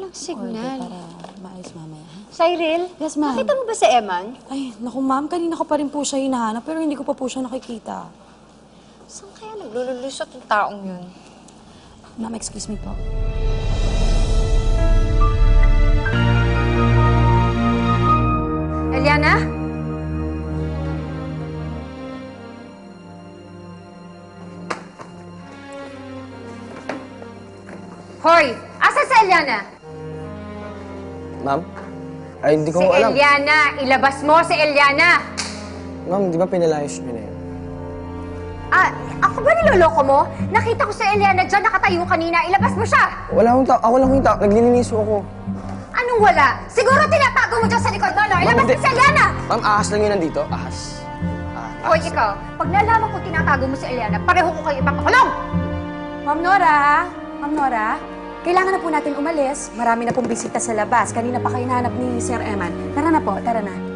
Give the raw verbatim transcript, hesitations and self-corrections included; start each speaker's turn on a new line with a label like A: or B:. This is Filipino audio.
A: walang signal.
B: Para maayos mamaya.
A: Cyril?
B: Yes, ma'am.
A: Nakita mo ba si Eman?
B: Ay, naku ma'am, kanina ko pa rin po siya hinahanap pero hindi ko pa po siya nakikita.
A: Saan kaya naglululusot ang taong yun?
B: Ma'am, excuse me po.
A: Eliana? Hoy! Asa si Eliana?
C: Ma'am? Ay, hindi ko
A: Si
C: alam.
A: Eliana! Ilabas mo si Eliana!
C: Ma'am, di ba pinalayos niyo na yun?
A: Ah, ako ba niloloko mo? Nakita ko si Eliana dyan, nakatayo kanina. Ilabas mo siya!
C: Wala akong tao. Ako lang yung tao. Nagliliniso ako.
A: Anong wala? Siguro tinatago mo dyan sa likod mo, no? Ilabas
C: hindi.
A: mo si Eliana!
C: Ma'am, ahas lang yun nandito. Ahas. Ah,
A: Hoy,
C: ahas.
A: ikaw, pag nalaman ko tinatago mo si Eliana, pareho ko kayo ipapakulong!
D: Ma'am Nora! Ma'am Nora! Kailangan na po natin umalis. Marami na pong bisita sa labas. Kanina pa kayo nahanap ni Sir Eman. Tara na po, tara na.